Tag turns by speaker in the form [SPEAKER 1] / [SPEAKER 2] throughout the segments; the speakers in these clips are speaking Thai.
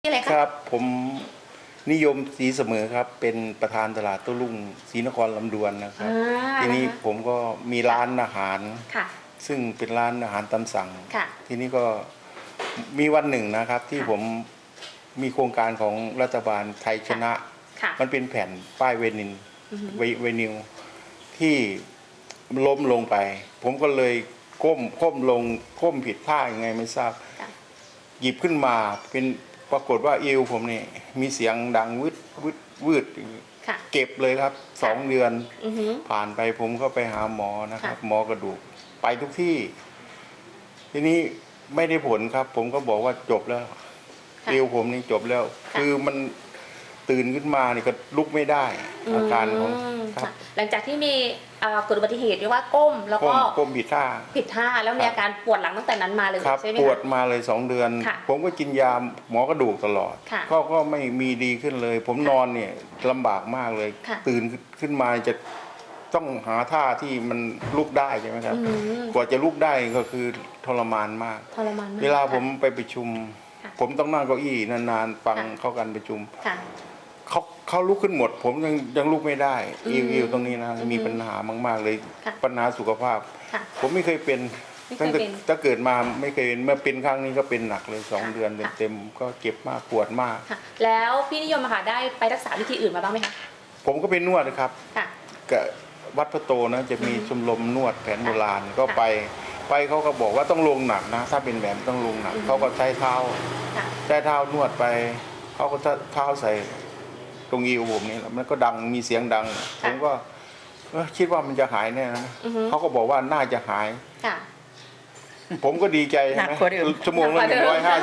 [SPEAKER 1] อะไรค
[SPEAKER 2] ครับผมนิยมศรีเสมอครับเป็นประธานตลาดโต้รุ่งศรีนครลำดวนนะครับทีนี้ผมก็มีร้านอาหารซึ่งเป็นร้านอาหารตามสั่งทีนี้ก็มีวันหนึ่งนะครับที่ผมมีโครงการของรัฐบาลไทยชนะมันเป็นแผ่นป้ายเวนิลที่ล้มลงไปผมก็เลยก้มลงก้มผิดท่ายังไงไม่ทราบหยิบขึ้นมาเป็นปรากฏว่าเอวผมนี่มีเสียงดังวืดเก็บเลยครับ2 เดือนผ่านไปผมก็ไปหาหมอนะครับหมอกระดูกไปทุกที่ทีนี้ไม่ได้ผลครับผมก็บอกว่าจบแล้วเอวผมนี่จบแล้วคือมันตื่นขึ้นมานี่ก็ลุกไม่ได้อาการของครับ
[SPEAKER 1] หลังจากที่มีเกิดอุบัติเหตุเรียกว่าก้มแล้วก็
[SPEAKER 2] ก้มผิดท่า
[SPEAKER 1] แล้วมีอาการปวดหลังตั้งแต่นั้นมาเลยใช่ไหม
[SPEAKER 2] ปวดมาเลย2 เดือนผมก็กินยาหมอกระดูกตลอดก็ไม่มีดีขึ้นเลยผมนอนเนี่ยลำบากมากเลยตื่นขึ้นมาจะต้องหาท่าที่มันลุกได้ใช่ไหมครับกว่าจะลุกได้ก็คือทรมานมากเวลาผมไปประชุมผมต้องนั่งเก้าอี้นานๆฟังเข้ากันประชุมเขาลุกขึ้นหมดผมยังลุกไม่ได้อิวตรงนี้นะมีปัญหามากๆเลยปัญหาสุขภาพผมไม่เคยเป็นตั้งแต่เกิดมาไม่เคยเป็นเมื่อเป็นครั้งนี้ก็เป็นหนักเลย2 เดือนเต็มก็เจ็บมากปวดมาก
[SPEAKER 1] แล้วพี่นิยมได้ไปรักษาวิธีอื่นมาบ้างไหมคะ
[SPEAKER 2] ผมก็เป็นนวดนะครับกับวัดพระโตนะจะมีชมรมนวดแผนโบราณก็ไปเขาก็บอกว่าต้องลงหนักนะถ้าเป็นแบบต้องลงหนักเขาก็ใช้เท้านวดไปเขาก็เท้าใส่ตรงอิวผมนี่แล้วมันก็ดังมีเสียงดังผมก็คิดว่ามันจะหายแน่นะเขาก็บอกว่าน่าจะหายผมก็ดีใจใช่ไหมชั่วโมงละ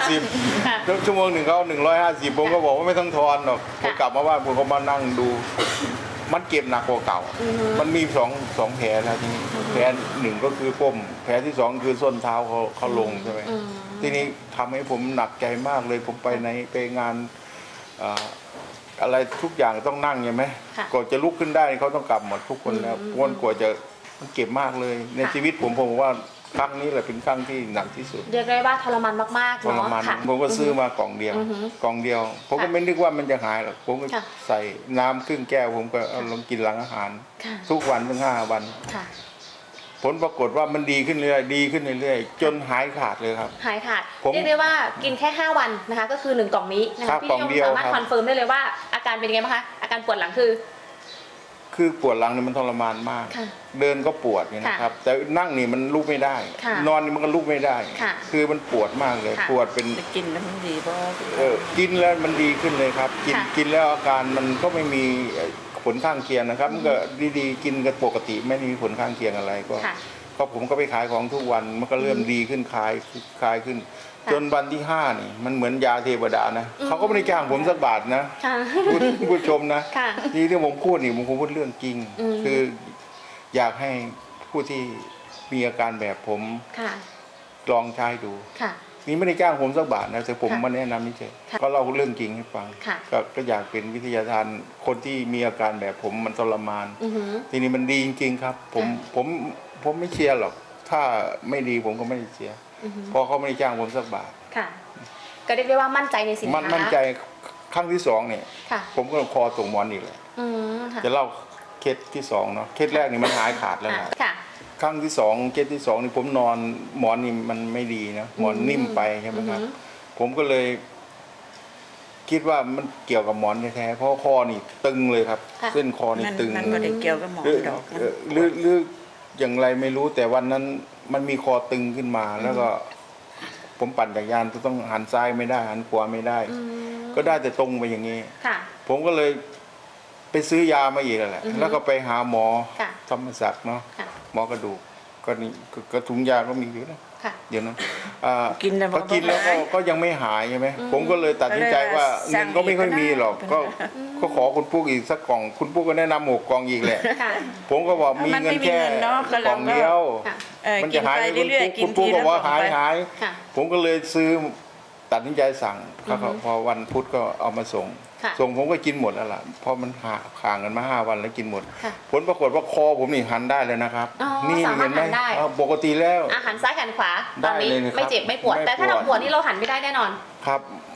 [SPEAKER 2] 150ชั่วโมงหนึ่งเขา150ผมก็บอกว่าไม่ต้องทอนหรอกผมกลับมาบ้านผมก็มานั่งดูมันเก็บหนักกว่าเก่ามันมีสองแผลนะทีนี้แผลหนึ่งก็คือก้มแผลที่2คือส้นเท้าเขาลงใช่ไหมทีนี้ทำให้ผมหนักใจมากเลยผมไปงานอะไรทุกอย่างต้องนั่งใช่ไหมก่อนจะลุกขึ้นได้เขาต้องกลับหมดทุกคนแล้วกว่าจะมันเก็บมากเลยในชีวิตผมว่าครั้งนี้แหละเป็นครั้งที่หนักที่สุด
[SPEAKER 1] เรียกได้ว่าทรมานมากๆ
[SPEAKER 2] ทรมานผมก็ซื้อมากล่องเดียวผมก็ไม่นึกว่ามันจะหายหรอกผมก็ใส่น้ำครึ่งแก้วผมก็เอาลงกินหลังอาหารทุกวันถึง5 วันผลปรากฏว่ามันดีขึ้นเรื่อยจนหายขาดเลยครับ
[SPEAKER 1] หายขาดเรียกได้ว่ากินแค่5 วันนะคะก็คือ1 กล่องนี้นะคะพี่นิยมสามารถคอนเฟิร์มได้เลยว่าอาการเป็นยังไงบ้างคะอาการปวดหลัง
[SPEAKER 2] คือปวดหลังนี่มันทรมานมากเดินก็ปวดนะครับแต่นั่งนี่มันลุกไม่ได้นอนนี่มันก็ลุกไม่ได้คือมันปวดมากเลยปวดเป็น
[SPEAKER 3] กินแล้วมันดีป่ะ
[SPEAKER 2] กินแล้วมันดีขึ้นเลยครับกินแล้วอาการมันก็ไม่มีผลข้างเคียงนะครับมันก็ดีกินกันปกติไม่มีผลข้างเคียงอะไรก็ผมก็ไปขายของทุกวันมันก็เริ่มดีขึ้นคลายขึ้นจนวันที่5นี่มันเหมือนยาเทวดานะเขาก็ไม่ได้จ้างผมสักบาทนะผู้ชมนะที่ผมพูดนี่ผมพูดเรื่องจริงคืออยากให้ผู้ที่มีอาการแบบผมลองใช้ดูนี่ไม่ได้จ้างผมสักบาทนะแต่ผมมาแนะนำนี่เฉยก็เล่าเรื่องจริงให้ฟังก็อยากเป็นวิทยาทานคนที่มีอาการแบบผมมันทรมานทีนี้มันดีจริงๆครับผมไม่เชียร์หรอกถ้าไม่ดีผมก็ไม่เชียร์พอเขาไม่ได้จ้างผมสักบาท
[SPEAKER 1] ก็เรียกได้ว่ามั่นใจในสินค้า
[SPEAKER 2] มั่นใจครั้งที่2เนี่ยผมก็คอตกหมอนอีกเลยจะเล่าเคสที่2เนาะเคสแรกนี่มันหายขาดแล้วนะครั้งที่2เคสที่2นี่ผมนอนหมอนนี่มันไม่ดีนะหมอนนิ่มไปใช่ไหมครับผมก็เลยคิดว่ามันเกี่ยวกับหมอนแท้ๆเพราะคอนี่ตึงเลยครับเส้นคอนี่ตึง
[SPEAKER 3] มันไม่ได้เกี่ยวกับหมอนดอก
[SPEAKER 2] หรืออย่างไรไม่รู้แต่วันนั้นมันมีคอตึงขึ้นมาแล้วก็ผมปั่นจักรยานต้องหันซ้ายไม่ได้หันขวาไม่ได้ก็ได้แต่ตรงไปอย่างนี้ผมก็เลยไปซื้อยามาอีกแหละแล้วก็ไปหาหมอธรรมศักดิ์เนาะหมอกระดูกก็นี่ก็ถุงยาก็มีอยู่นะเดี๋ยวนั้น
[SPEAKER 3] กินแล้ว
[SPEAKER 2] ก็ยังไม่หายใช่ไหมผมก็เลยตัดสินใจว่าเงินก็ไม่ค่อยมีหรอกก็ขอคุณปุ๊กอีกสักกล่องคุณปุ๊กก็แนะนำ6 กล่องอีกแหละผมก็บอกมีเงินแค่กล่องเดียวมันจะหายคุณปุ๊กก็บอกหายผมก็เลยซื้อตัดสินใจสั่งพอวันพุธก็เอามาส่งผมก็กินหมดแล้วล่ะเพราะมันห่างกันมา5 วันแล้วกินหมดผลปรากฏว่าคอผมนี่หันได้เลยนะครับ
[SPEAKER 1] นี่เห็นไหม
[SPEAKER 2] ปกติแล้ว
[SPEAKER 1] หันซ้ายหันขวาตอนนี้ไม่เจ็บไม่ปวดแต่ถ้าเราปวดนี่เราหันไม่ได้แน่นอน
[SPEAKER 2] ครับ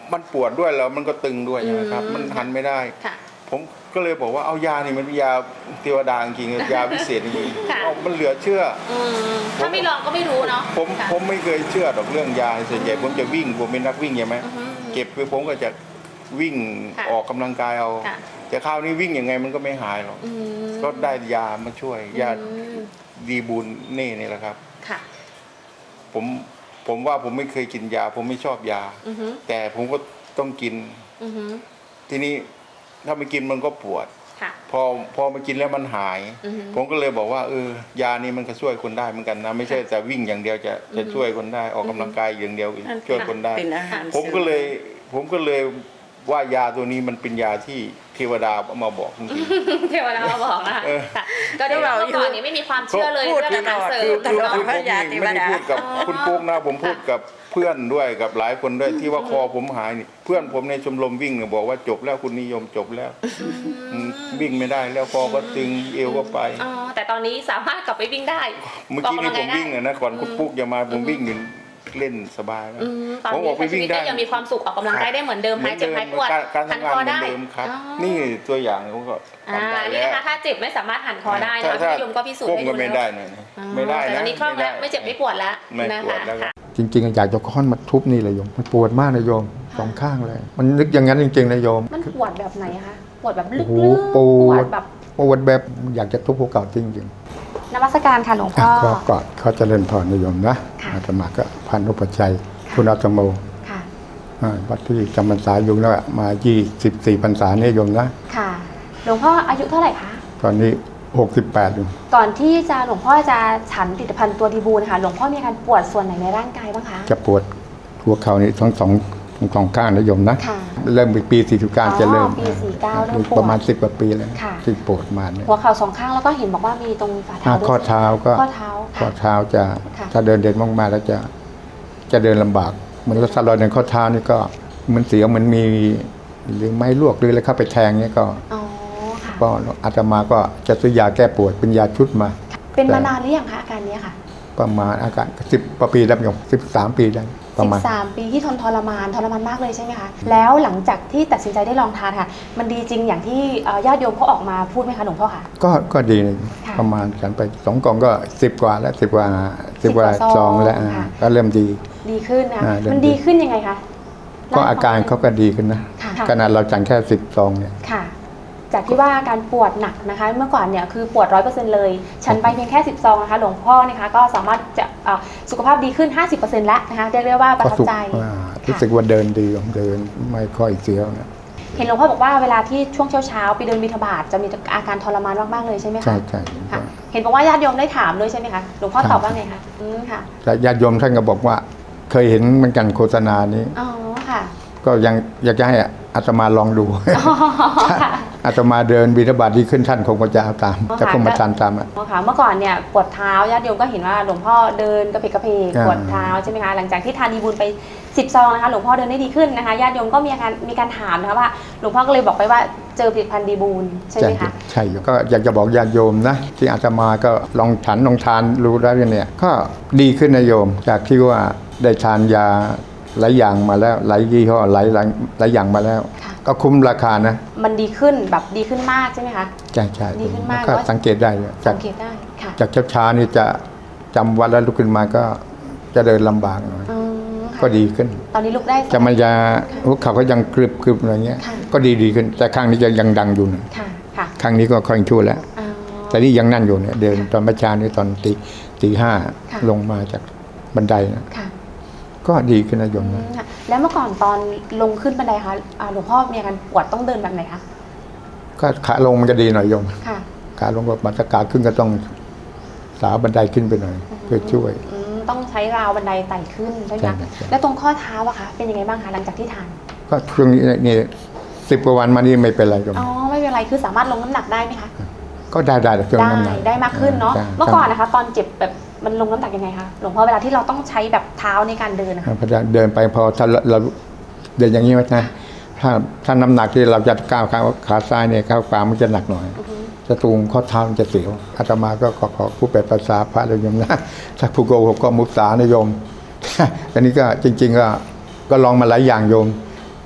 [SPEAKER 2] มันปวดด้วยแล้วมันก็ตึงด้วยใช่ไหมครับมันหันไม่ได้ผมก็เลยบอกว่าเอายานี่มันยาเทวดาจริงๆยาพิเศษจริงๆมันเหลือเชื่อ
[SPEAKER 1] ถ้าไม่ลองก็ไม่รู้เนาะ
[SPEAKER 2] ผมไม่เคยเชื่อดอกเรื่องยาส่วนใหญ่ผมจะวิ่งผมเป็นนักวิ่งใช่ไหมเก็บไปผมก็จะวิ่งออกกำลังกายเอาแต่คราวนี้วิ่งยังไงมันก็ไม่หายหรอกก็ได้ยามาช่วยยาดีบูลนี่แหละครับผมว่าผมไม่เคยกินยาผมไม่ชอบยาแต่ผมก็ต้องกินทีนี้ถ้าไม่กินมันก็ปวดพอมากินแล้วมันหายผมก็เลยบอกว่ายานี้มันก็ช่วยคนได้เหมือนกันนะไม่ใช่แต่วิ่งอย่างเดียวจะช่วยคนได้ออกกำลังกายอย่างเดียวช่วยคนได้ผมก็เลยว่ายาตัวนี้มันเป็นยาที่เทวดาเอามาบอกจริง
[SPEAKER 1] ๆเทวดามาบอกนะคะก็เดี๋ยวเราก่อนนี้ไม่มีความเชื่อเลยเรื่องการเสริม
[SPEAKER 2] คือผมไม่ได้พูดกับคุณปุ๊กนะผมพูดกับเพื่อนด้วยกับหลายคนด้วยที่ว่าคอผมหายนี่เพื่อนผมในชมรมวิ่งเนี่ยบอกว่าจบแล้วคุณนิยมจบแล้ววิ่งไม่ได้แล้วคอก็ตึงเอวก็ไป
[SPEAKER 1] แต่ตอนนี้สามารถกลับไปวิ่งได้
[SPEAKER 2] เมื่อกี้นี่ผมวิ่งนะก่อนคุณปุ๊กจะมาผมวิ่งอยู่เล่นสบายแล้ว
[SPEAKER 1] ผมบอกไปวิ่งได้ยังมีความสุขออกกำลังกายได้เหมือนเดิมหายเจ็บหายปวด
[SPEAKER 2] หันคอได้นี่ตัวอย่างผมก็
[SPEAKER 1] นี่นะคะถ้าเจ็บไม่สามารถหันคอได้นะพี่ยมก็พิสูจน์ให้ดู
[SPEAKER 2] ไม่ได้นะไม่ได้
[SPEAKER 1] นะตอนนี้คล่องแล้วไม่เจ็บไม่ปวดแล้วนะคะ
[SPEAKER 4] จริงๆอยากจะค้อนมาทุบนี่เลยโยมมันปวดมากนะโยมสองข้างเลยมันนึกอย่างนั้นจริงๆนะโยม
[SPEAKER 1] มันปวดแบบไหนคะปวดแบบลึก
[SPEAKER 4] ๆปวดแบบอยากจะทุบหัวเก่าจริงๆ
[SPEAKER 1] นมัสการค่ะหลวงพ่อ
[SPEAKER 4] ก่อนเขาจะเล่นพรนิยมนะอาตมาก็พันอุปชัยคุณอาตโมวัดที่จำพรรษาอยู่แล้วมา24พรรษาเนี่ยโยมนะ
[SPEAKER 1] ค่ะหลวงพ่ออายุเท่าไหร่คะ
[SPEAKER 4] ตอนนี้68อยู่
[SPEAKER 1] ก่อนที่จะหลวงพ่อจะฉันผลิตภัณฑ์ตัวดีบูลค่ะหลวงพ่อมีอาการปวดส่วนไหนในร่างกายบ้างคะ
[SPEAKER 4] จะปวดหัวเข่านี่ทั้งสองข้างนะโยมนะเริ่มปี49จะเริ่ม
[SPEAKER 1] ปี49เริ่มปวด
[SPEAKER 4] ประมาณ10 กว่าปีแล้วที่ปวดมาเนี่ย
[SPEAKER 1] หัวเข่าสองข้างแล้วก็เห็นบอกว่ามีตรงฝ่าเท้า
[SPEAKER 4] ข้อเท้าก็ข้อเท้าจะถ้าเดินมากๆแล้วจะเดินลำบากเหมือนรถสลอยในข้อเท้านี่ก็มันเสียวมันมีหรือไม้ลวกหรืออะไรเข้าไปแทงเนี่ยก็อาตมาก็จะซื้อยาแก้ปวดเป็นยาชุดมา
[SPEAKER 1] เป็นมานานหรือยังคะอาการนี้ค่ะ
[SPEAKER 4] ประมาณอาการ10 ปีแล้วโยม13 ปีได้
[SPEAKER 1] 13 ปีที่ทรมานมากเลยใช่ไหมคะแล้วหลังจากที่ตัดสินใจได้ลองทานค่ะมันดีจริงอย่างที่ญาติโยมเขาออกมาพูดไหมคะหลวงพ่อคะ
[SPEAKER 4] ก็ดีประมาณฉันไป2 กล่องก็10 กว่าแล้ว10 กว่าซองแล้วก็เริ่ม
[SPEAKER 1] ดีขึ้นนะมันดีขึ้นยังไงคะ
[SPEAKER 4] ก็อาการเขาก็ดีขึ้นนะขนาดเราจังแค่10 ซองเนี่ย
[SPEAKER 1] จากที่ว่าการปวดหนักนะคะเมื่อก่อนเนี่ยคือปวด 100% เลยฉันไปเพียงแค่10 ซองนะคะหลวงพ่อนะคะก็สามารถจะสุขภาพดีขึ้น 50% แล้วนะคะเรียกว่าประทับใจ
[SPEAKER 4] รู้สึกว่าเดินดีเดินไม่ค่อยเสียวนะ
[SPEAKER 1] เห็นหลวงพ่อบอกว่าเวลาที่ช่วงเช้าไปเดินบิณฑบาตจะมีอาการทรมานมากๆเลยใช่ไหมคะ
[SPEAKER 4] ใช่
[SPEAKER 1] เห็นบอกว่าญาติโยมได้ถามด้วยใช่ไหมคะหลวงพ่อตอบว่าไงคะค่ะ
[SPEAKER 4] แต่ญาติโยมท่านก็บอกว่าเคยเห็นเหมือนกันโฆษณานี้
[SPEAKER 1] ค่ะ
[SPEAKER 4] ก็ยังอยากจะให้อาตมาลองดูอาตมาเดินบิณฑบาตดีขึ้นท่านคงจะเอาตามจะคงมาทานตาม
[SPEAKER 1] ค่ะเมื่อก่อนเนี่ยปวดเท้าญาติโยมก็เห็นว่าหลวงพ่อเดินกระเพกปวดเท้าใช่ไหมคะหลังจากที่ทานดีบุญไป10 ซองนะคะหลวงพ่อเดินได้ดีขึ้นนะคะญาติโยมก็มีการถามนะคะว่าหลวงพ่อก็เลยบอกไปว่าเจอผลิตภัณฑ์ดีบุญใช่ไหมคะ
[SPEAKER 4] ใช่ก็อยากจะบอกญาติโยมนะที่อาตมาก็ลองฉันลองทานรู้แล้วเนี่ยก็ดีขึ้นนะโยมจากที่ว่าได้ทานยาหลายอย่างมาแล้วหลายยี่ห้อหลายอย่างมาแล้วก็คุ้มราคานะ
[SPEAKER 1] มันดีขึ้นแบบดีขึ้นมากใช่ไหมคะ
[SPEAKER 4] ใช่
[SPEAKER 1] ดีขึ้นมาก
[SPEAKER 4] ก็สังเกตได้จากช้านี่จะจำวันแล้วลุกขึ้นมาก็จะเดินลำบากหน่อยก็ดีขึ้น
[SPEAKER 1] ตอนนี้ลุกได้
[SPEAKER 4] จะมันจะหัวเข่าก็ยังกรึบอะไรเงี้ยก็ดีขึ้นแต่ข้างนี้ยังดังอยู่นะข้างนี้ก็ค่อยชั่วแล้วแต่นี่ยังนั่นอยู่เนี่ยเดินตอนเมื่อเช้านี้ตอนตี 5ลงมาจากบันไดนะก็ดีขึ้นนะโยมนะ
[SPEAKER 1] แล้วเมื่อก่อนตอนลงขึ้นบันไดคะหลวงพ่อมีอาการปวดต้องเดินแบบไหนคะ
[SPEAKER 4] ก็ขาลงมันจะดีหน่อยโยมขาลงก็มาตะขาขึ้นก็ต้องสาวบันไดขึ้นไปหน่อยเพื่อช่วย
[SPEAKER 1] ต้องใช้ราวบันไดไต่ขึ้นใช่ไหมคะแล้วตรงข้อเท้าอะคะเป็นยังไงบ้างคะหลังจากที่ทาน
[SPEAKER 4] ก็ช่วงนี้นี่10 กว่าวันมานี่ไม่เป็นไรโยม
[SPEAKER 1] ไม่เป็นไรคือสามารถลงน้ำหนักได้ไหมคะ
[SPEAKER 4] ก็ได้ช่วงน้ำหนัก
[SPEAKER 1] ได้มากขึ้นเนาะเมื่อก่อนนะคะตอนเจ็บแบบมันลงน้ำหนักยังไงคะหลวงพ่อเวลาที่เราต้องใช้แบบเท้าในการเดินนะคะ
[SPEAKER 4] เดินไปพอถ้าเราเดินอย่างนี้นะถ้าน้ำหนักที่เราจะก้าวขาซ้ายเนี่ยก้าวขวามันจะหนักหน่อยจะตูงข้อเท้ามันจะเสียวอาตมาก็ขอผู้แปลภาษาพระโยมนะถ้าผู้โกหกก็มุสานะโยมอันนี้ก็จริงๆก็ลองมาหลายอย่างโยม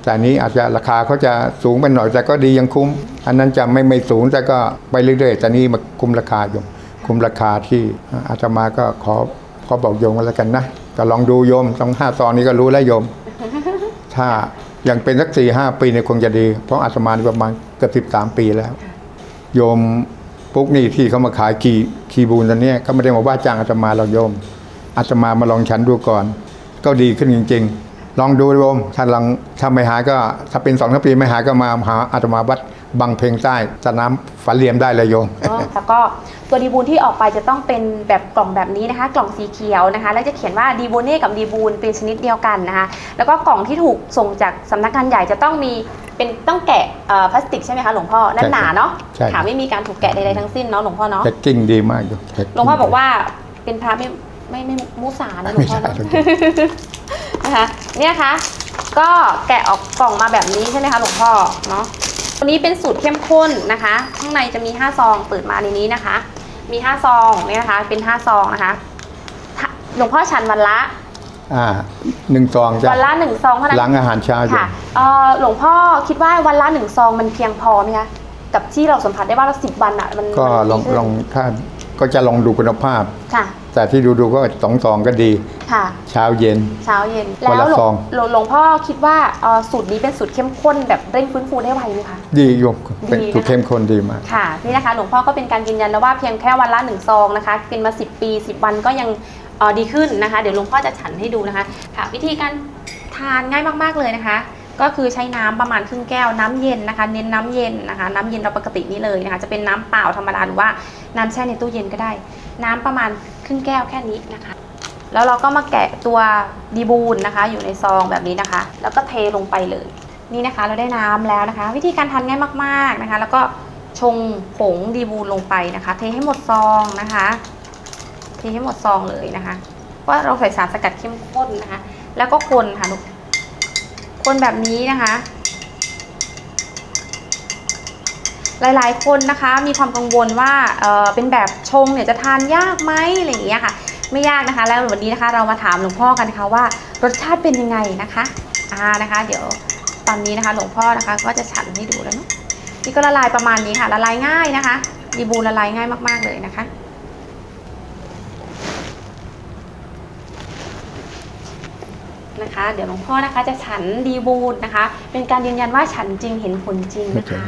[SPEAKER 4] แต่อันนี้อาจจะราคาเขาจะสูงไปหน่อยแต่ก็ดียังคุ้ม อันนั้นจะไม่สูงแต่ก็ไปเรื่อยๆแต่นี่มาคุ้มราคาอยู่คุ้มราคาที่อาตมาก็ขอบอกโยมกันแล้วกันนะก็ลองดูโยมต้อง5 ซองนี้ก็รู้แล้วโยม ถ้ายังเป็นสัก4-5 ปีเนี่ยคงจะดีเพราะอาตมานี่ประมาณเกือบ13 ปีแล้วโยมปุ๊กนี่ที่เขามาขายคีบูนตอนนี้ก็ไม่ได้มาว่าจ้างอาตมาเราโยมอาตมามาลองฉันดูก่อนก็ดีขึ้นจริงๆลองดูโยมถ้าไม่หายก็ถ้าเป็น2-3 ปีไม่หายก็มาหาอาตมาวัดบางเพลงใต้สนามฝันเหลี่ยมได้เลยโยม
[SPEAKER 1] แล้วก็ตัวดีบูนที่ออกไปจะต้องเป็นแบบกล่องแบบนี้นะคะกล่องสีเขียวนะคะแล้วจะเขียนว่าดีบูเน่กับดีบูนเป็นชนิดเดียวกันนะคะแล้วก็กล่องที่ถูกส่งจากสำนักงานใหญ่จะต้องมีต้องแกะพลาสติกใช่ไหมคะหลวงพ่อแน่นหนาเนาะค่ะไม่มีการถูกแกะใดๆทั้งสิ้นเนาะหลวงพ่อเนาะ
[SPEAKER 4] แพ็กกิ้งดีมากโยม
[SPEAKER 1] หลวงพ่อบอกว่าเป็นพระไม่มุสานะหลวงพ่อนะคะเนี่ยค่ะก็แกะออกกล่องมาแบบนี้ใช่ไหมคะหลวงพ่อเนาะตัวนี้เป็นสูตรเข้มข้นนะคะข้างในจะมี5 ซองเปิดมาในนี้นะคะมี5 ซองเนี่ยนะคะเป็น5 ซองนะคะหลวงพ่อฉันวันละ
[SPEAKER 4] 1 ซองจ้ะ
[SPEAKER 1] วันละ1 ซองเท่านั้น
[SPEAKER 4] หลังอาหารเช้า
[SPEAKER 1] ค่ะหลวงพ่อคิดว่าวันละ1 ซองมันเพียงพอไหมคะกับที่เราสัมผัสได้ว่าเรา10 วันอ่ะมัน
[SPEAKER 4] ก็ลองถ้าก็จะลองดูคุณภาพ
[SPEAKER 1] ค่ะ
[SPEAKER 4] แต่ที่ดูก็2 ซองก็ดี
[SPEAKER 1] ค่ะ
[SPEAKER 4] เช้าเย็น
[SPEAKER 1] แล้วหลวงพ่อคิดว่าสูตรนี้เป็นสูตรเข้มข้นแบบเร่งฟื้นฟูได้ไวไหมคะ
[SPEAKER 4] ดีโยมเป็นสูตรเข้มข้นดีมาก
[SPEAKER 1] ค่ะนี่นะคะหลวงพ่อก็เป็นการยืนยันแล้วว่าเพียงแค่วันละ1 ซองนะคะเป็นมา10 ปี10 วันก็ยังดีขึ้นนะคะเดี๋ยวหลวงพ่อจะฉันให้ดูนะคะค่ะวิธีการทานง่ายมากๆเลยนะคะก็คือใช้น้ำประมาณครึ่งแก้วน้ำเย็นนะคะเน้นน้ำเย็นนะคะน้ำเย็นเราปกตินี่เลยนะคะจะเป็นน้ำเปล่าธรรมดาหรือว่าน้ำแช่ในตู้เย็นก็ได้น้ำประมาณครึ่งแก้วแค่นี้นะคะแล้วเราก็มาแกะตัวดีบูนนะคะอยู่ในซองแบบนี้นะคะแล้วก็เทลงไปเลยนี่นะคะเราได้น้ำแล้วนะคะวิธีการทานง่ายมากๆนะคะแล้วก็ชงผงดีบูนลงไปนะคะเทให้หมดซองนะคะเทให้หมดซองเลยนะคะว่าเราใส่สารสกัดเข้มข้นนะคะแล้วก็คนค่ะลูกคนแบบนี้นะคะหลายๆคนนะคะมีความกังวลว่าเป็นแบบชงเนี่ยจะทานยากไหมอะไรอย่างเงี้ยค่ะไม่ยากนะคะแล้ววันนี้นะคะเรามาถามหลวงพ่อกันค่ะว่ารสชาติเป็นยังไงนะคะนะคะเดี๋ยวตอนนี้นะคะหลวงพ่อนะคะก็จะฉันให้ดูแล้วเนาะนี่ก็ละลายประมาณนี้ค่ะละลายง่ายนะคะดีบูละลายง่ายมากๆเลยนะคะเดี๋ยวหลวงพ่อนะคะจะฉันดีบูนนะคะเป็นการยืนยันว่าฉันจริงเห็นผลจริงนะคะ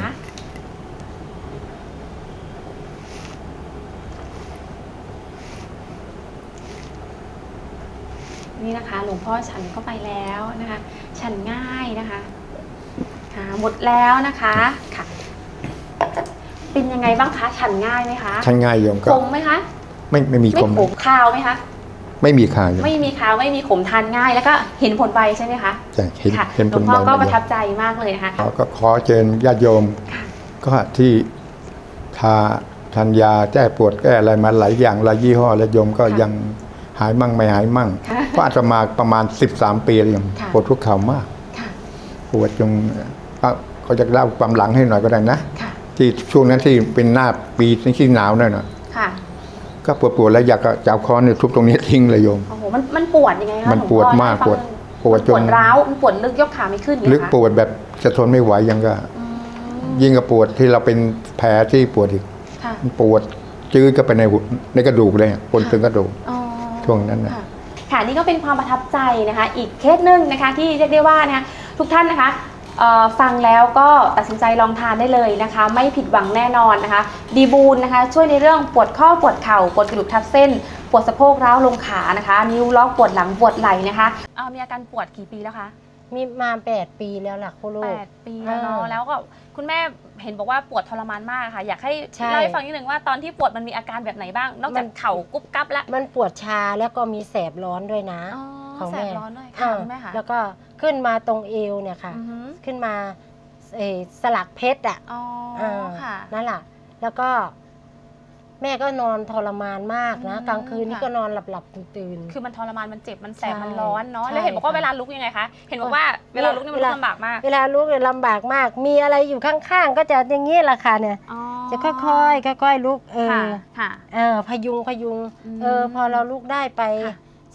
[SPEAKER 1] นี่นะคะหลวงพ่อฉันเข้าไปแล้วนะคะฉันง่ายนะคะค่ะหมดแล้วนะคะค่ะเป็นยังไงบ้างคะฉันง่ายไหมคะ
[SPEAKER 4] ฉันง่ายโยมก็
[SPEAKER 1] ขมไหมคะ
[SPEAKER 4] ไม่มีขม
[SPEAKER 1] คาวไหมคะ
[SPEAKER 4] ไม่มีคาว
[SPEAKER 1] ไม่มีคาวไม่มีขมทานง่ายแล้วก็เห็นผลไวใช่ไหมคะ
[SPEAKER 4] ใช่เห็นผลไว
[SPEAKER 1] หลวงพ่อก็ประทับใจมากเลยนะคะ
[SPEAKER 4] ก็ขอเชิญญาติโยมก็ที่ทานยาแก้ปวดแก้อะไรมาหลายอย่างหลายยี่ห้อแล้วโยมก็ยังหายมั่งไม่หายมั่งก็อาจจะมาประมาณ13 ปีแล้วยังปวดทุกเข่ามากปวดจนเขาจะเล่าความหลังให้หน่อยก็ได้นะที่ช่วงนั้นที่เป็นหน้าปีที่หนาวหน่อยนะก็ปวดแล้วอยากจะเอาค้อนเนี่ยทุบตรงนี้ทิ้งเลยโยม
[SPEAKER 1] โอ้โหมันปวดยังไงคะ
[SPEAKER 4] มันปวดมากปวด
[SPEAKER 1] จนร้าวมันปวดลึกยกขาไม่ขึ้น
[SPEAKER 4] ลึกปวดแบบจะทนไม่ไหวยังก็ยิ่งกับปวดที่เราเป็นแผลที่ปวดอีกมันปวดจืดก็ไปในกระดูกเลยปวดถึงกระดูกช่วงนั้นนะ
[SPEAKER 1] ค่ะนี่ก็เป็นความประทับใจนะคะอีกเคสหนึ่งนะคะที่เรียกได้ว่านะคะทุกท่านนะคะฟังแล้วก็ตัดสินใจลองทานได้เลยนะคะไม่ผิดหวังแน่นอนนะคะดีบูนนะคะช่วยในเรื่องปวดข้อปวดเข่าปวดกระดูกทับเส้นปวดสะโพกร้าวลงขานะคะนิ้วล็อกปวดหลังปวดไหล่นะคะมีอาการปวดกี่ปีแล้วคะ
[SPEAKER 5] มีมา8 ปีแล้วล่ะคุณลูก
[SPEAKER 1] 8 ปีแล้วเนาะแล้วก็คุณแม่เห็นบอกว่าปวดทรมานมากค่ะอยากให้เล่าให้ฟังนิดนึงว่าตอนที่ปวดมันมีอาการแบบไหนบ้างนอกจากเข่ากุ๊บกั๊บแล้ว
[SPEAKER 5] มันปวดชาแล้วก็มีแสบร้อนด้วยนะ
[SPEAKER 1] ของแม่แสบร้อนด้วยค่ะแม่ค่ะ
[SPEAKER 5] แล้วก็ขึ้นมาตรงเอวเนี่ยค่ะขึ้นมาสลักเพชรนั่นแหละแล้วก็แม่ก็นอนทรมานมากนะกลางคืนนี่ก็นอนหลับตื่น
[SPEAKER 1] คือมันทรมานมันเจ็บมันแสบมันร้อนเนาะแล้วเห็นบอกว่าเวลาลุกยังไงคะเห็นบอกว่าเวลาลุกนี่มันลำบากมาก
[SPEAKER 5] เวลาลุกเนี่ยลำบากมากมีอะไรอยู่ข้างๆก็จะอย่างนี้แหละค่ะเนี่ยจะค่อยๆลุกพยุงพอเราลุกได้ไป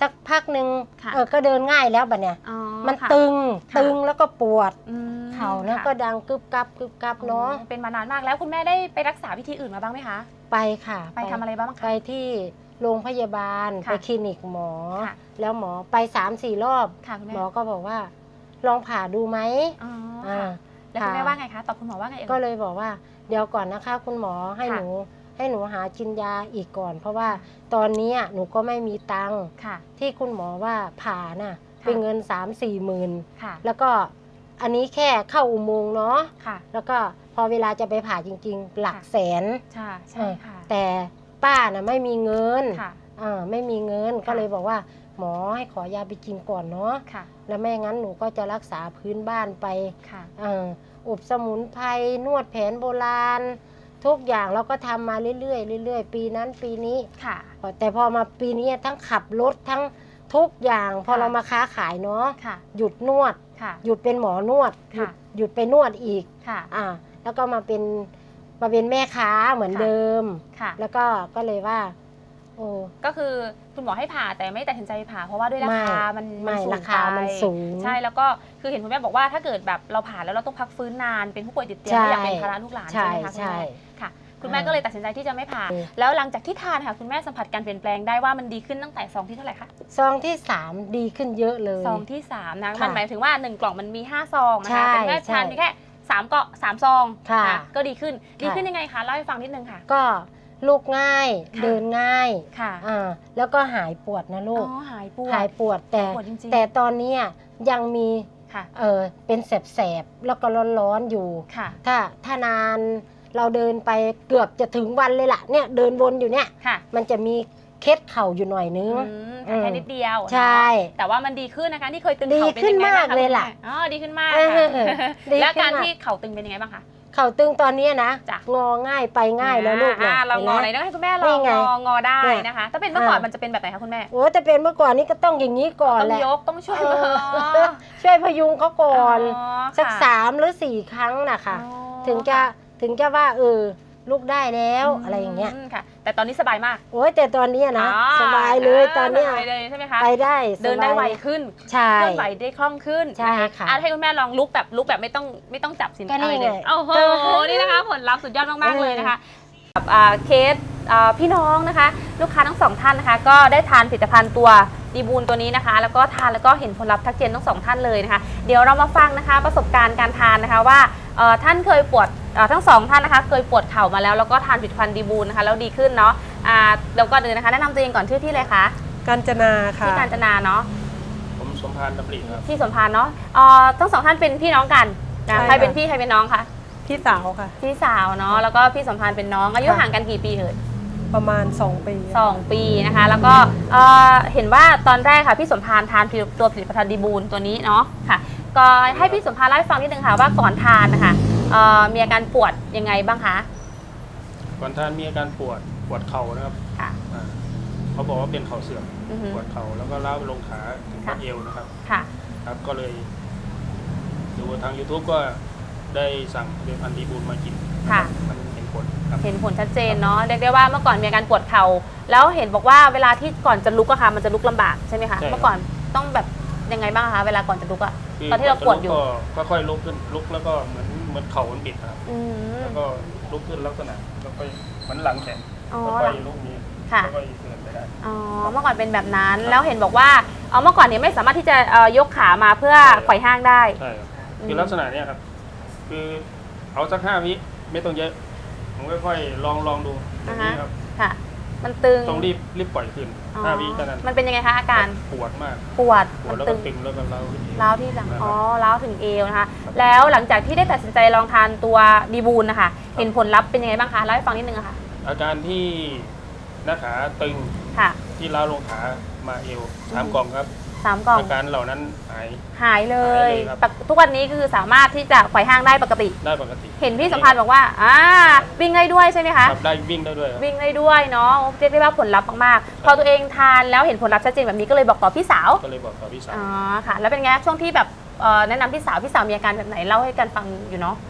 [SPEAKER 5] สักพักหนึ่ง
[SPEAKER 1] ค่ะ
[SPEAKER 5] ก็เดินง่ายแล้วบัดเนี่ย
[SPEAKER 1] อ๋อ
[SPEAKER 5] มัน
[SPEAKER 1] ค่ะ
[SPEAKER 5] ตึง
[SPEAKER 1] ค่ะ
[SPEAKER 5] ตึงแล้วก็ปวด
[SPEAKER 1] อืม
[SPEAKER 5] เข่าแล้ว
[SPEAKER 1] ค่ะ
[SPEAKER 5] ก็ดังกึบกับกึบกับเนาะ
[SPEAKER 1] เป็นมานานมากแล้วคุณแม่ได้ไปรักษาวิธีอื่นมาบ้างไหมคะ
[SPEAKER 5] ไปค่ะ
[SPEAKER 1] ไปทำอะไรบ้าง
[SPEAKER 5] ไป
[SPEAKER 1] คะ
[SPEAKER 5] ที่โรงพยาบาล
[SPEAKER 1] ค่ะ
[SPEAKER 5] ไปคลินิกหมอ
[SPEAKER 1] ค่ะ
[SPEAKER 5] แล้วหมอไป3-4 รอบ
[SPEAKER 1] ค่ะคุณแม่
[SPEAKER 5] หมอก็บอกว่า ลองผ่าดูไหม
[SPEAKER 1] อ๋อ
[SPEAKER 5] อ่า
[SPEAKER 1] ค่ะแล้วคุณแม่ว่าไงคะตอบคุณหมอว่าไงเอ่ย
[SPEAKER 5] ก็เลยบอกว่าเดี๋ยวก่อนนะคะคุณหมอให้
[SPEAKER 1] ค่ะ
[SPEAKER 5] หนูหากินยาอีกก่อน เพราะว่าตอนนี้หนูก็ไม่มีตังค์
[SPEAKER 1] ค่ะ
[SPEAKER 5] ที่คุณหมอว่าผ่าน่ะ
[SPEAKER 1] ค่ะ
[SPEAKER 5] เป็นเงิน 3-4 หมื่น
[SPEAKER 1] ค่ะ
[SPEAKER 5] แล้วก็อันนี้แค่เข้าอุโมงค์เนาะ
[SPEAKER 1] ค่ะ
[SPEAKER 5] แล้วก็พอเวลาจะไปผ่าจริงๆ หลัก
[SPEAKER 1] ค่ะ
[SPEAKER 5] แสน
[SPEAKER 1] ใช่ใช่ค่ะ
[SPEAKER 5] แต่ป้าน่ะไม่มีเงิน
[SPEAKER 1] ค่ะ
[SPEAKER 5] ไม่มีเงิน
[SPEAKER 1] ค่ะ
[SPEAKER 5] ก็เลยบอกว่า หมอให้ขอยาไปกินก่อนเนาะ
[SPEAKER 1] ค่ะ
[SPEAKER 5] แล้วไม่งั้นหนูก็จะรักษาพื้นบ้านไป
[SPEAKER 1] ค่ะ
[SPEAKER 5] อบสมุนไพรนวดแผนโบราณ ทุกอย่างเราก็ทำมาเรื่อยๆเรื่อยๆปีนั้นปีนี้
[SPEAKER 1] ค่ะ
[SPEAKER 5] แต่พอมาปีนี้ทั้งขับรถทั้งทุกอย่างพอ
[SPEAKER 1] ค่ะ
[SPEAKER 5] เรามาค้าขายเนาะ
[SPEAKER 1] ค่ะ
[SPEAKER 5] หยุดนวด
[SPEAKER 1] ค่ะ
[SPEAKER 5] หยุดเป็นหมอนวด
[SPEAKER 1] ค่ะ
[SPEAKER 5] หยุดไปนวดอีก
[SPEAKER 1] ค่ะ
[SPEAKER 5] แล้วก็มาเป็นแม่ค้าเหมือน
[SPEAKER 1] ค่ะ
[SPEAKER 5] เดิม
[SPEAKER 1] ค่ะ
[SPEAKER 5] แล้วก็เลยว่า โอ้
[SPEAKER 1] ก็คือคุณหมอให้ผ่าแต่ไม่ตัดสินใจผ่าเพราะว่าด้วยราคามัน
[SPEAKER 5] ไม่
[SPEAKER 1] สูง
[SPEAKER 5] ราคามัน
[SPEAKER 1] ไป
[SPEAKER 5] สูง
[SPEAKER 1] ใช่แล้วก็คือเห็นคุณแม่บอกว่าถ้าเกิดแบบเราผ่าแล้วเราต้องพักฟื้นนานเป็นผู้ป่วยติดเตียง
[SPEAKER 5] ใช่
[SPEAKER 1] ไม่อยากเป็นภาระลูกหลานใช่ไหมคะคุณ
[SPEAKER 5] ใช่
[SPEAKER 1] แม่ค่ะ คุณแม่ก็เลยตัดสินใจที่จะไม่ผ่า
[SPEAKER 5] เออ
[SPEAKER 1] แล้วหลังจากที่ทานค่ะคุณแม่สัมผัสการเปลี่ยนแปลงได้ว่ามันดีขึ้นตั้งแต่ซองที่เท่าไหร่คะ
[SPEAKER 5] ซองที่ 3 ดีขึ้นเยอะเลย
[SPEAKER 1] ซองที่3นะ
[SPEAKER 5] ค่ะ
[SPEAKER 1] มันหมายถึงว่า 1 กล่องมันมี5ซองนะ
[SPEAKER 5] ใช่
[SPEAKER 1] คะแต่คุณแม่ทาน
[SPEAKER 5] ใช่
[SPEAKER 1] เพียงแค่3 ซอง
[SPEAKER 5] ค่ะ
[SPEAKER 1] นก็ดีขึ้นดี
[SPEAKER 5] ค่ะ
[SPEAKER 1] ขึ้นยังไงคะเล่าให้ฟังนิดนึงค่ะ
[SPEAKER 5] ก็ลูกง่าย
[SPEAKER 1] ค่ะ
[SPEAKER 5] เดินง่าย
[SPEAKER 1] ค่ะ
[SPEAKER 5] แล้วก็หายปวดนะลูก
[SPEAKER 1] หายปวด
[SPEAKER 5] หายปวดแต่
[SPEAKER 1] ปวดจริงๆ
[SPEAKER 5] แต่ตอนนี้ยังมี
[SPEAKER 1] ค่ะ
[SPEAKER 5] เป็นแสบๆแล้วก็ร้อนๆอยู่
[SPEAKER 1] ค่ะ
[SPEAKER 5] ถ้านานเราเดินไปเกือบจะถึงวันเลยล่ะเนี่ยเดินวนอยู่เนี่ย
[SPEAKER 1] ค่ะ
[SPEAKER 5] มันจะมีเคล็ดเข่าอยู่หน่อยนึง
[SPEAKER 1] แต่แค่นิดเดียว
[SPEAKER 5] ใช่
[SPEAKER 1] เนาะแต่ว่ามันดีขึ้นนะคะนี่เคยตึง
[SPEAKER 5] ดี
[SPEAKER 1] เข่าเป็น
[SPEAKER 5] ขึ้น
[SPEAKER 1] ยังไงบ้าง
[SPEAKER 5] มากเลยล่ะ
[SPEAKER 1] คุณแม่อ๋อดีขึ้นมาก
[SPEAKER 5] เอ
[SPEAKER 1] ค่ะ
[SPEAKER 5] อดี
[SPEAKER 1] แล้ว
[SPEAKER 5] ขึ้น
[SPEAKER 1] การ
[SPEAKER 5] มาก
[SPEAKER 1] ที่เข่าตึงเป็นยังไงบ้างคะ
[SPEAKER 5] เข่าตึงตอนนี้นะ
[SPEAKER 1] จ้ะ
[SPEAKER 5] งอง่ายไปง่ายแล้วลูก
[SPEAKER 1] เรางอไหน
[SPEAKER 5] ห็น
[SPEAKER 1] ต้องให้คุณแม่ล
[SPEAKER 5] นี่
[SPEAKER 1] อง
[SPEAKER 5] ไง
[SPEAKER 1] งอได้
[SPEAKER 5] เนี่ย
[SPEAKER 1] นะคะ ถ้าเป็นเมื่อก่อนมันจะเป็นแบบไหนคะคุณแม่
[SPEAKER 5] โอ้แต่เป็นเมื่อก่อนนี้ก็ต้องอย่างนี้ก่อน
[SPEAKER 1] ต้อง
[SPEAKER 5] แหละ
[SPEAKER 1] ยกต้องช่วย
[SPEAKER 5] เอ
[SPEAKER 1] มือ
[SPEAKER 5] อช่วยพยุงเขาก่อน สัก
[SPEAKER 1] ค่ะ
[SPEAKER 5] 3 หรือ 4 ครั้งนะคะ
[SPEAKER 1] อ๋อ
[SPEAKER 5] ถึงจะว่าลูกได้แล้วอะไรอย่างเงี้ย
[SPEAKER 1] ค่ะ แต่ตอนนี้สบายมาก
[SPEAKER 5] โอ้ยแต่ตอนเนี้ยนะ
[SPEAKER 1] อ๋อ
[SPEAKER 5] สบายเลยตอนเนี้ย
[SPEAKER 1] สบายเลยใช่ไหมคะ
[SPEAKER 5] ไปได้สบาย
[SPEAKER 1] เดินได้ไวขึ้น
[SPEAKER 5] ใช่
[SPEAKER 1] เคลื่อนไหวได้คล่องขึ้น
[SPEAKER 5] ใช่ค่ะ
[SPEAKER 1] ให้คุณแม่ลองลุกแบบไม่ต้องจับสิน
[SPEAKER 5] ก็นี่
[SPEAKER 1] อะไรเลย
[SPEAKER 5] ไง
[SPEAKER 1] โอ้โหนี่นะคะผลลัพธ์สุดยอดมากๆเลยนะคะกับเคสพี่น้องนะคะ ลูกค้าทั้งสองท่านนะคะ ก็ได้ทานผลิตภัณฑ์ตัวดีบูลตัวนี้นะคะ แล้วก็ทานแล้วก็เห็นผลลัพธ์ทักเจนทั้งสองท่านเลยนะคะ เดี๋ยวเรามาฟังนะคะประสบการณ์การทานนะคะว่าท่านเคยปวดทั้งสองท่านนะคะเคยปวดเข่ามาแล้วก็ทานผลิตภัณฑ์ดีบูลนะคะแล้วดีขึ้นเนาะเดี๋ยวก่อนอื่นนะคะแนะนำตัวเองก่อนชื่อที่เลยคะ
[SPEAKER 6] กาญจนาค่ะ
[SPEAKER 1] ที่กาญจนาเนาะ
[SPEAKER 7] ผมสมพานดำริครับ
[SPEAKER 1] ที่สมพานเนาะทั้งสองท่านเป็นพี่น้องกันนะ
[SPEAKER 6] ใช่
[SPEAKER 1] ใครเป็น
[SPEAKER 6] ค่ะ
[SPEAKER 1] พี่ใครเป็นน้องคะ
[SPEAKER 6] พี่สาวค่ะ
[SPEAKER 1] พี่สาวเนาะแล้วก็พี่สมพานเป็นน้องอายุ
[SPEAKER 6] ค่ะ
[SPEAKER 1] ห่างกันกี่ปีเอ่ย
[SPEAKER 6] ประมาณ 2 ปี
[SPEAKER 1] 2 ปีนะคะ แล้วก็เห็นว่าตอนแรกค่ะพี่สมพานทานตัวผลิตภัณฑ์ดีบูลตัวนี้เนาะค่ะ ก็ให้พี่สมพานเล่าให้ฟังนิดนึงค่ะว่าก่อนทานนะคะมีอาการปวดยังไงบ้างคะ
[SPEAKER 7] ก่อนท่านมีอาการปวดเข่านะครับ
[SPEAKER 1] ค่ะ
[SPEAKER 7] อ่าเขาบอกว่าเป็นเข่าเสื่อม
[SPEAKER 1] อือฮึ
[SPEAKER 7] ปวดเข่าแล้วก็ล้าวไปลงขาถึง
[SPEAKER 1] ค่ะ
[SPEAKER 7] บัดเอวนะครับ
[SPEAKER 1] ค่ะ
[SPEAKER 7] ครับก็เลยดูทาง YouTube ก็ได้สั่งผลิตภัณฑ์ดีบูลมากิน
[SPEAKER 1] ค่ะ
[SPEAKER 7] มันเห็นผลครับ
[SPEAKER 1] เห็นผลชัดเจนเนาะเรียกได้ว่าเมื่อก่อนมีอาการปวดเข่าแล้วเห็นบอกว่าเวลาที่ก่อนจะลุกอะค่ะมันจะลุกลำบากใช่ไหมคะ
[SPEAKER 7] ใช่ครับ
[SPEAKER 1] เมื่อก่อนต้องแบบยังไงบ้างคะเวลาก่อนจะลุกอะ
[SPEAKER 7] คื
[SPEAKER 1] ตอนที่เราปวดอยู่
[SPEAKER 7] ก็ค่อยลุกขึ้นลุกแล้วก็เหมือนเข่ามันบิดนะครับ
[SPEAKER 1] อืม
[SPEAKER 7] แล้วก็ลุกขึ้นลักษณะแล้วก็เหมือนหลังแขน
[SPEAKER 1] อ๋อ
[SPEAKER 7] แล้วก็ลุกนี้
[SPEAKER 1] ค่ะ
[SPEAKER 7] แล้วก็เดินไปได้
[SPEAKER 1] อ๋อเมื่อก่อนเป็นแบบนั้นแล้วเห็นบอกว่าเมื่อก่อนเนี่ยไม่สามารถที่จะยกขามาเพื่อ
[SPEAKER 7] ใช่ครับ
[SPEAKER 1] ไขว่ห้างได้
[SPEAKER 7] ใช่ครับ
[SPEAKER 1] อืม
[SPEAKER 7] คือลักษณะเนี้ยครับ คือเอาสัก5 วิไม่ต้องเยอะ ผมค่อยๆลองดูอย่างนี้ครับ
[SPEAKER 1] ค่ะ มันตึง
[SPEAKER 7] ต้องรีบปล่อยขึ้น
[SPEAKER 1] อ๋อ
[SPEAKER 7] 5 วิเท่านั้น
[SPEAKER 1] มันเป็นยังไงคะอาการ
[SPEAKER 7] ปวดมาก
[SPEAKER 1] ปวด
[SPEAKER 7] ปว
[SPEAKER 1] มั
[SPEAKER 7] ด
[SPEAKER 1] น
[SPEAKER 7] แล้ว
[SPEAKER 1] ตึ
[SPEAKER 7] ก็
[SPEAKER 1] ง
[SPEAKER 7] ตึงแล้วก็เล้าขึ้นอีก
[SPEAKER 1] ร้าวที่หลัง
[SPEAKER 7] นะครับ
[SPEAKER 1] อ๋อร้าวถึงเอวนะคะ แล้วหลังจากที่ได้ตัดสินใจลองทานตัวดีบูลนะคะเห็นผลลัพธ์เป็นยังไงบ้างคะเล่าให้ฟังนิดนึงอะค่ะ
[SPEAKER 7] อาการที่หน้าขาตึง
[SPEAKER 1] ค่ะ
[SPEAKER 7] ที่ล้าวลงขามาเอว3 กล่องครับ
[SPEAKER 1] 3 กล่อง
[SPEAKER 7] อาการเหล่านั้นหาย
[SPEAKER 1] หายเลย
[SPEAKER 7] หายเลยครับ
[SPEAKER 1] ทุกวันนี้คือสามารถที่จะไขว่ห้างได้ปกติ
[SPEAKER 7] ได้ปกติ
[SPEAKER 1] เห็นพี่สัมพันธ์บอกว่าวิ่งได้ด้วยใช่ไหมคะ
[SPEAKER 7] ครับได้วิ่งได้ด้วยครับ
[SPEAKER 1] วิ่งได้ด้วยเนาะเรียกได้ว่าผลลัพธ์มากๆ พอตัวเองทานแล้วเห็นผลลัพธ์ชัดเจนแบบนี้ก็เลยบอกต่อพี่สาว
[SPEAKER 7] ก็เลยบอกกับพี่สาว
[SPEAKER 1] อ๋อค่ะ แล้วเป็นไงช่วงที่แบบแนะนำพี่สาวมีอาการแบบไหนเล่าให้กันฟังอยู่เนาะ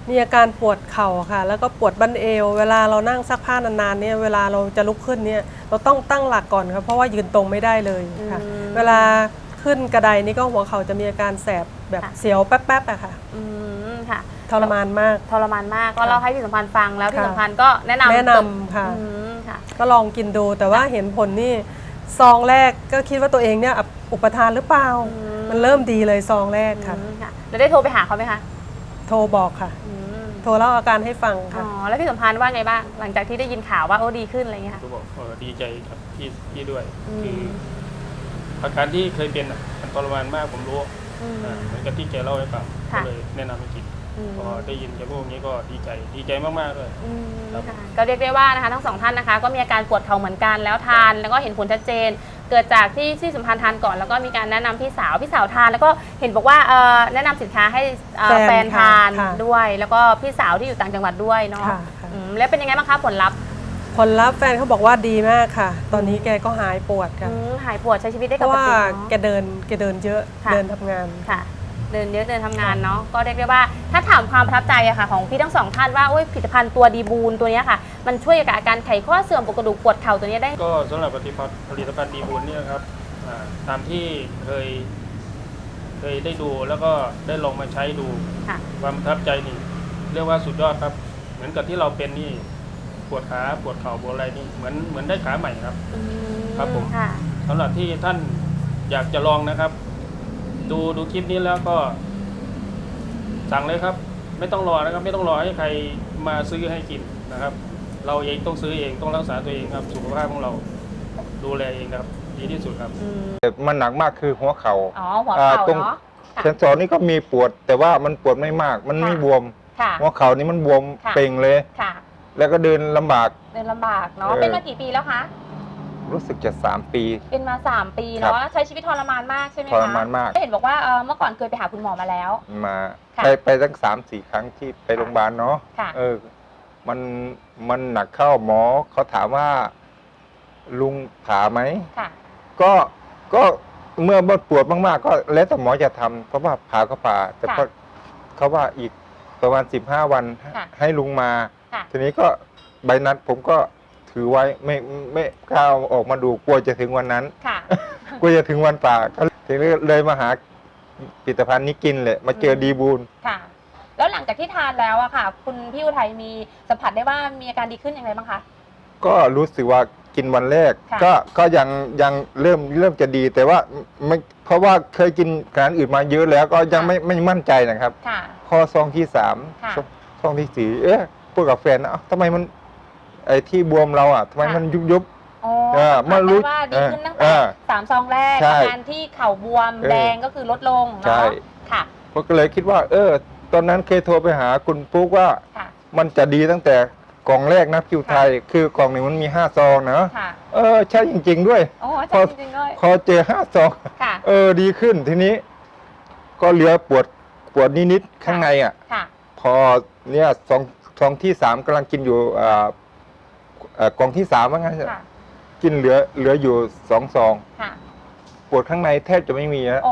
[SPEAKER 6] มีอาการปวดเข่าค่ะ แล้วก็ปวดบั้นเอว เวลาเรานั่งซักผ้านานๆเนี่ยเวลาเราจะลุกขึ้นเนี่ยเราต้องตั้งหลักก่อนครับเพราะว่ายืนตรงไม่ได้เลยค่ะ เวลาขึ้นกระไดนี่ก็หัวเข่าจะมีอาการแสบแบบเสียวแป๊บๆอะค่ะ
[SPEAKER 1] ค่ะ
[SPEAKER 6] ทรมานมาก
[SPEAKER 1] ทรมานมากก็เล่าให้พี่สัมพันธ์ฟังแล้วพี่สัมพันธ์ก็แนะนำ
[SPEAKER 6] ค่ะ
[SPEAKER 1] ค่ะ
[SPEAKER 6] ก็ลองกินดูแต่ว่าเห็นผลนี่ซองแรกก็คิดว่าตัวเองเนี่ยอุปทานหรือเปล่า มันเริ่มดีเลยซองแรกค่ะ
[SPEAKER 1] ค่ะแล้วได้โทรไปหาเขาไหมคะ
[SPEAKER 6] โทรบอกค่ะ โทรเล่าอาการให้ฟัง
[SPEAKER 1] อ๋
[SPEAKER 6] ค่ะ
[SPEAKER 1] อแล้วพี่สัมพันธ์ว่าไงบ้างหลังจากที่ได้ยินข่าวว่าโอ้ดีขึ้นอะไรเงี้ยค่ะ
[SPEAKER 7] ก็บอกดีใจครับพี่ด้วย คืออาการที่เคยเป็นมันทรมานมากผมรู้เหมือนกับที่แกเล่าให้ฟังก็เลยแนะนำให้กินพอได้ยินแกพูดอย่างนี้ก็ดีใจมากๆเลยครับ
[SPEAKER 1] ก็เรียกได้ว่านะคะทั้งสองท่านนะคะก็มีอาการปวดเข่าเหมือนกันแล้วทานแล้วก็เห็นผลชัดเจน เกิดจากที่สัมพันธ์ทานก่อนแล้วก็มีการแนะนำพี่สาวทานแล้วก็เห็นบอกว่าแนะนำสินค้าให้แฟนทานด้วย แล้วก็พี่สาวที่อยู่ต่างจังหวัดด้วยเนาะแล้วเป็นยังไงบ้างคะผลลัพธ์
[SPEAKER 6] ผลลัพธ์แฟนเขาบอกว่าดีมากค่ะ ตอนนี้แกก็หายปวดค่ะ
[SPEAKER 1] หายปวดใช้ชีวิตได้
[SPEAKER 6] เพ
[SPEAKER 1] ป
[SPEAKER 6] ราะ
[SPEAKER 1] ก
[SPEAKER 6] ว่า
[SPEAKER 1] ติ
[SPEAKER 6] แกเดินเยอะ
[SPEAKER 1] ค่ะ
[SPEAKER 6] เดินทำงาน
[SPEAKER 1] ค่ะ เดินเยอะเดินทำงานเนาะก็เรียกได้ว่าถ้าถามความประทับใจอะค่ะของพี่ทั้งสองท่านว่าผลิตภัณฑ์ตัวดีบูนตัวนี้ค่ะมันช่วยกับอาการไขข้อเสื่อมปวดกระดูกปวดเข่าตัวนี้ได้
[SPEAKER 7] ก็สำหรับผลิตภัณฑ์ดีบุญเนี่ยครับตามที่เคยได้ดูแล้วก็ได้ลองมาใช้ดู
[SPEAKER 1] ค่ะ
[SPEAKER 7] ความประทับใจนี่เรียกว่าสุดยอดครับ เหมือนกับที่เราเป็นนี่ปวดขาปวดเข่าปวดอะไรนี่เหมือนได้ขาใหม่ครับ ครับผม
[SPEAKER 1] ค่ะ
[SPEAKER 7] สำหรับที่ท่านอยากจะลองนะครับ ดูคลิปนี้แล้วก็สั่งเลยครับ ไม่ต้องรอนะครับ ไม่ต้องรอให้ใครมาซื้อให้กินนะครับ เราเองต้องซื้อเองต้องรักษาตัวเองครับสุขภาพของเราดูแลเองครับดีที่สุดครับ
[SPEAKER 4] มันหนักมากคือหัวเขา
[SPEAKER 1] อ๋อหัวเข่า
[SPEAKER 4] ตรง
[SPEAKER 1] เนาะ
[SPEAKER 4] เซนสอนนี่ก็มีปวด แต่ว่ามันปวดไม่มาก มันไม่บวม
[SPEAKER 1] ค่ะ
[SPEAKER 4] หัวเข่านี่มันบวม
[SPEAKER 1] ค่ะ
[SPEAKER 4] เป่งเลย
[SPEAKER 1] ค่ะ
[SPEAKER 4] แล้วก็เดินลำบาก
[SPEAKER 1] เดินลำบากเนาะ
[SPEAKER 4] เออ
[SPEAKER 1] เป็นมากี่ปีแล้วคะ
[SPEAKER 4] รู้สึกจะ3 ปี
[SPEAKER 1] เป็นมา3 ปี
[SPEAKER 4] ครับ
[SPEAKER 1] เนาะใช้ชีวิตทรมานมากใช่ไหมคะ
[SPEAKER 4] ทรมานมาก
[SPEAKER 1] เห็นบอกว่าเมื่อก่อนเคยไปหาคุณหมอมาแล้ว
[SPEAKER 4] มา
[SPEAKER 1] ค่ะ
[SPEAKER 4] ไปตั้ง3-4 ครั้งที่ไปโรงพยาบาลเนาะ
[SPEAKER 1] ค่ะ
[SPEAKER 4] มันหนักเข้าหมอเขาถามว่า ลุงผ่าไหม
[SPEAKER 1] ค่ะ
[SPEAKER 4] ก็เมื่อปวดมากๆ ก็แล้วแต่หมอจะทำเพราะว่าผ่าก็ผ่า แต่ก็เขาว่าอีกประมาณ15 วัน
[SPEAKER 1] ค่ะ
[SPEAKER 4] ให้ลุงมา
[SPEAKER 1] ค่ะ
[SPEAKER 4] ทีนี้ก็ใบนัดผมก็ถือไว้ไม่กล้าเอาออกมาดูกลัวจะถึงวันนั้น
[SPEAKER 1] ค่ะ
[SPEAKER 4] กลัวจะถึงวันป่าก็ทีนี้เลยมาหาผลิตภัณฑ์นี้กินเลยมาเจอดีบูล
[SPEAKER 1] ค่ะ แล้วหลังจากที่ทานแล้วอะค่ะ คุณพี่อุทัยมีสัมผัสได้ว่ามีอาการดีขึ้นอย่างไรบ้างคะ
[SPEAKER 4] ก็รู้สึกว่ากินวันแรก
[SPEAKER 1] ค่ะ
[SPEAKER 4] ก็ยังเริ่มจะดี แต่ว่าไม่เพราะว่าเคยกินอาหารอื่นมาเยอะแล้วก็ยังไม่มั่นใจนะครับ
[SPEAKER 1] ค่ะ
[SPEAKER 4] พอซองที่3
[SPEAKER 1] ค่ะ
[SPEAKER 4] ซองที่4พูดกับแฟนนะทำไมมันไอ้ที่บวมเราอ่ะทำไมมันยุบ
[SPEAKER 1] อ๋อ
[SPEAKER 4] เมื่อรู้
[SPEAKER 1] ว่าดีขึ้นตั้งแต่3 ซองแรก
[SPEAKER 4] ใช่
[SPEAKER 1] อาการที่เข่าบวมแดงก็คือลดลง
[SPEAKER 4] ใช่
[SPEAKER 1] เนาะค่ะ
[SPEAKER 4] ผมก็เลยคิดว่า ตอนนั้นเคยโทรไปหาคุณปุ๊กว่า
[SPEAKER 1] ค่ะ
[SPEAKER 4] มันจะดีตั้งแต่กล่องแรกนะคิวไทย คือกล่องหนึ่งมันมี5 ซองนะ
[SPEAKER 1] ค่ะ
[SPEAKER 4] ใช่จริงๆด้วย
[SPEAKER 1] โอ้อาจารย์จริงๆเลย
[SPEAKER 4] พอเจอ5 ซอง
[SPEAKER 1] ค่ะ
[SPEAKER 4] ดีขึ้นทีนี้ ก็เหลือปวดนิดๆข้างในอ่ะ
[SPEAKER 1] ค่ะ
[SPEAKER 4] พอเนี่ยซองที่3กำลังกินอยู่กล่องที่3ว่างั้น
[SPEAKER 1] ค่ะ
[SPEAKER 4] กินเหลืออยู่2 ซอง
[SPEAKER 1] ค่ะ
[SPEAKER 4] ปวดข้างในแทบจะไม่มีแล้ว